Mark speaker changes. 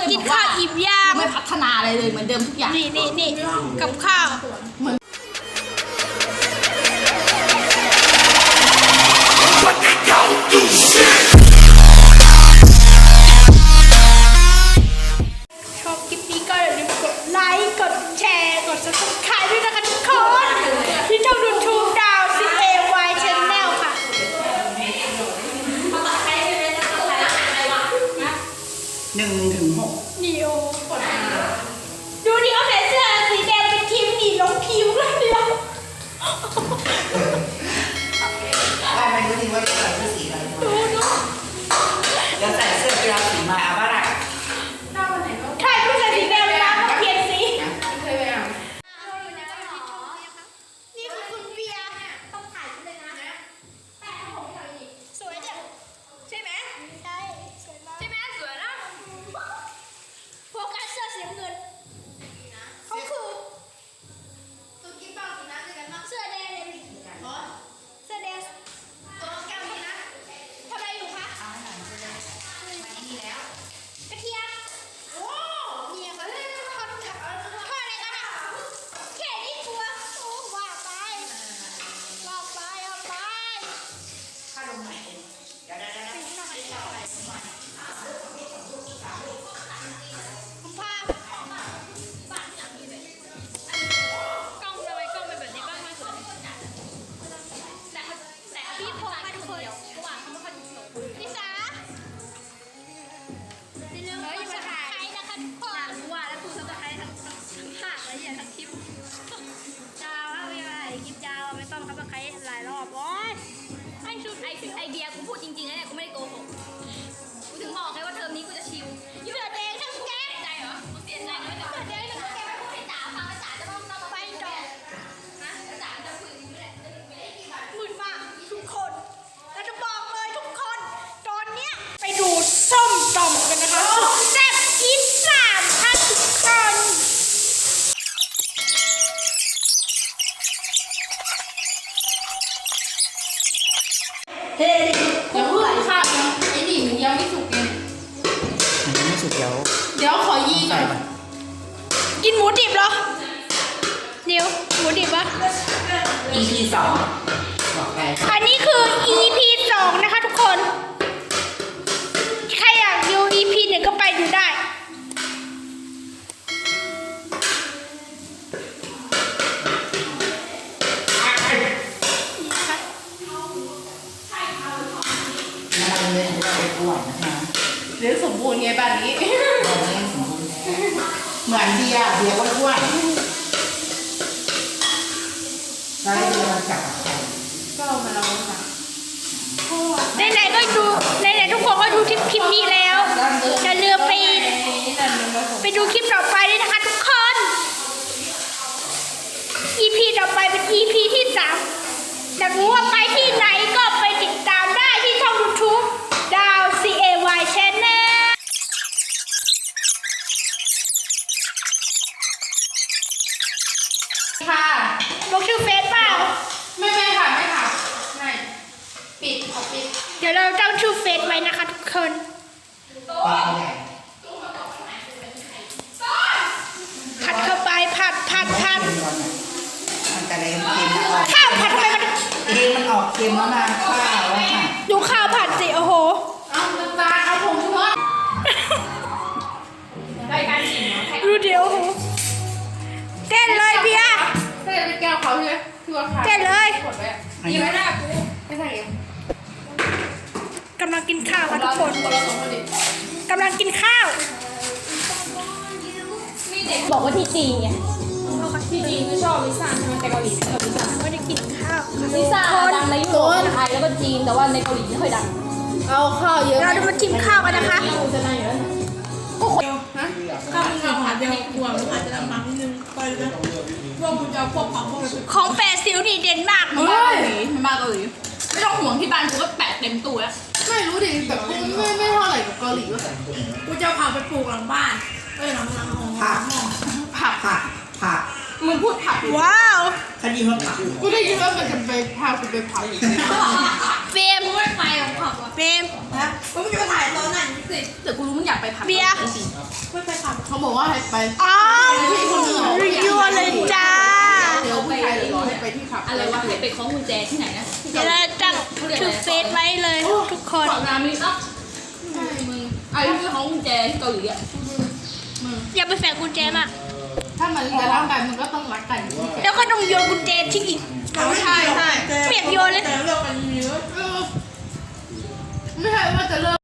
Speaker 1: กินข้าวอิ่มย่าง
Speaker 2: ไม่พัฒนาอะไรเลยเหมือนเดิมทุกอย่าง
Speaker 1: นี่กับข้าวชอบคลิปนี้ก็อย่าลืมกดไลค์กดแชร์กด Subscribe ด้วยนะคะทุกคนที่ช่อง YouTube ดาว CAY Channel ค่ะ
Speaker 3: 1-6
Speaker 1: นี่โอ้ดูดิเขาใส่เสื้อสีแดงเป็นทีมหนีลงคิวเลยเดียว
Speaker 3: ไม่รู้จริงว่าจะใส่เสื้อสีอะไร
Speaker 1: ดู
Speaker 3: เดี๋ยวใส่เสื้อกีฬาสีมาเอาบ้าง
Speaker 1: ใช่ผู้ใส่สีแดงเลยนะเปลี่ยนสี
Speaker 2: เคยไปอ่ะ
Speaker 1: นี่คือคุณเบียร์ต้องถ่ายเลยนะแต่ผมถ่ายสวยจังใช่ไหมใช่สวยมากใช่ไหมสวยนะโฟกัสเสื้อสีเงินเขาคือตุ๊กกิ๊บบ้าสีน้ำด้วยกันมั้งเสื้อแดงเลยเสื้อแดงตัวแก้วนี่นะทำอะไรอยู่คะกระเทียมโอ้เนี่ยเขาเลยทอดอะไรกันอ่ะแค่นี้ตัวโอ้ว่าไป
Speaker 3: ข้าลงไหนเดี๋ยว
Speaker 1: คุณภาพกล้องทำไมกล้องเป็นแบบนี้บ้างไม่สวยแต่พี่พอมาทุกคนระหว่างเขาไม่ค่อยถูกพี่สาอย่าลืมกดซับสไครต์นะคะทุกคนว่าแล้วคุณซับสไครต์ทั้งภาคและทั้งคลิปดาวไม่เป็นไรคลิปดาวไม่ต้องซับสไครต์หลายรอบโอ๊ยให้ชุดไอเดียกูพูดจริงๆนะเนี่ยกูไม่ได้โกหกกูถึงบอกไงว่าเทอมนี้กูจะชิลเสือแดงทั้งแก๊งใจเหรอกูเสียใจนะเสือแดงทั้งแก๊งพูดให้จ๋าฟังแล้วจ๋าจะต้องไปดอกนะจ๋าจะคุยอย่างนี้แหละหมื่นมากทุกคนเราจะบอกเลยทุกคนตอนเนี้ยไปดูส้มตำกันนะคะแซ่บอีสานค่ะทุกคน
Speaker 2: เฮ้ยอย่าเพิ่งข้าวยังไอ้นี่มันยังไม่สุกไง
Speaker 3: มันไม่สุดเดี๋ยว
Speaker 2: เดี๋ยวขอยีก่อน
Speaker 1: กินหมูดิบเหรอเดี๋ยวหมูดิบวะ
Speaker 3: EP 2บอกไป
Speaker 1: อันนี้คือ EP 2นะคะทุกคนใครอยากดู EP 1ก็ไปดูได้
Speaker 3: มันเลยเราไปอ้วนนะคะ
Speaker 2: เดี๋ยวสมบูรณ์ไงบ้านนี้
Speaker 3: เราไม่สมบูรณ์เหมือนเบียร์ก็อ้วนใช่เบียร์จับกับใคร
Speaker 2: ก็มาลองค่ะ
Speaker 1: ไหนๆก็ดูไหนๆทุกคนก็ดูคลิปนี้แล้วอย่าลืมไปดูคลิปต่อไปด้วยนะคะทุกคน EP ต่อไปเป็น EP ที่3อยากรู้ว่าไปที่ไหนก็ไปติดตามได้ที่ช่อง YouTube ดาว CAY Channel
Speaker 2: ค่ะ
Speaker 1: บอกชื่อเฟซเปล่า
Speaker 2: ไม่ค่ะไม่ปิดเอาปิด
Speaker 1: เดี๋ยวเราตั้งชื่อเฟซไว้นะคะทุกคน
Speaker 3: ปลาใหญ่
Speaker 1: ผัดเข้าไปผัด
Speaker 3: มันกระเด็นเค็มออก
Speaker 1: ข้าวผัดทำไมมัน
Speaker 3: มันออกเค็มแล้วนะข้าวแล้วค่ะ
Speaker 1: ดูข้าวผัดสิโอ้โห
Speaker 2: เอาจานเอาผงชูรสรายการกินเนาะ
Speaker 1: ดูเดี๋ยวโอ้โหเต้นเลยเบียร์
Speaker 2: ใช่เป็นแก้วเขาใช่ไหมที่ว่าขาย
Speaker 1: เต้นเลย
Speaker 2: กดไว้ยังไม่ได้กูไม่ใส่เอง
Speaker 1: กำลังกินข้าวค่ะทุกคน
Speaker 2: คนละสองคนดิ
Speaker 1: กำลังกินข้าว
Speaker 2: บอกว่าที่จีนไงที่จีนก็ชอบลิซ่าใช่ไหมแต่เกาหลีไม่ชอบลิซ่า
Speaker 1: ไม่ได้กินข้าวค่ะ
Speaker 2: ลิซ่าดังในยุโรปไทยแล้วก็จีนแต่ว่าในเกาหลีไม่ค่อยดังเอาข้าวเยอะ
Speaker 1: เราจะมาจิ้มข้าวกันนะคะ
Speaker 2: จะได้อยู่แล้วข้าวมันกับผัดเดียวกลัวมันอาจจะลำบากนิดนึงไปเลยพวกคุณจะพวกผักพวกอะไร
Speaker 1: ของแปดซิวนี่เด่นมาก
Speaker 2: เฮ้ยมาเกาหลีไม่ต้องห่วงที่บ้านกูก็แปะเต็มตู้แล้วไม่รู้ดิแบบไม่เท่าไหร่กับเกาหลีว่ากูจะพาไปปลูกหลังบ้านหลังห้อง
Speaker 3: ผัก
Speaker 2: มึงพูดผัก
Speaker 1: ว้าว
Speaker 3: คดีมันผัก
Speaker 2: กูได้ยินว่ามันจะไปพากูไปผัก
Speaker 1: เฟรมไม่ไปของผับว่ะเฟรม
Speaker 2: นะมึงจะมาถ่ายตอนไหนสิ
Speaker 3: เดี๋ยวกูรู้มึงอยากไปผับ
Speaker 1: เบียร์
Speaker 2: ไม่ไปขับเขาบอกว่าให้ไป
Speaker 1: อ้าวยั่วเลยจ้า
Speaker 2: เดี๋ยวผู้ชายเลยรอให้ไปที่ขับ
Speaker 3: อะไรวะให้ไปคล้องกุญแจที่ไหนนะ
Speaker 1: เดี๋ยวเราตั้งชื่อเฟซไว้เลยทุกคน
Speaker 3: ฝั่งรามินอ่ะใช่มึงไอ้ที่คล้องกุญแจที่เกาหลีอ่ะ
Speaker 1: อย่าไปแฝงกุญแจมาก
Speaker 2: ถ้ามันจะรักกันมันก็ต้องรักกัน
Speaker 1: แล้วก็ต้องโยนกุญแจทิ้งอีก
Speaker 2: ใช่ใช่
Speaker 1: เปียกโยนเลย
Speaker 2: แต่เลิกกันเยอะไม่ใช่ว่าจะเลิก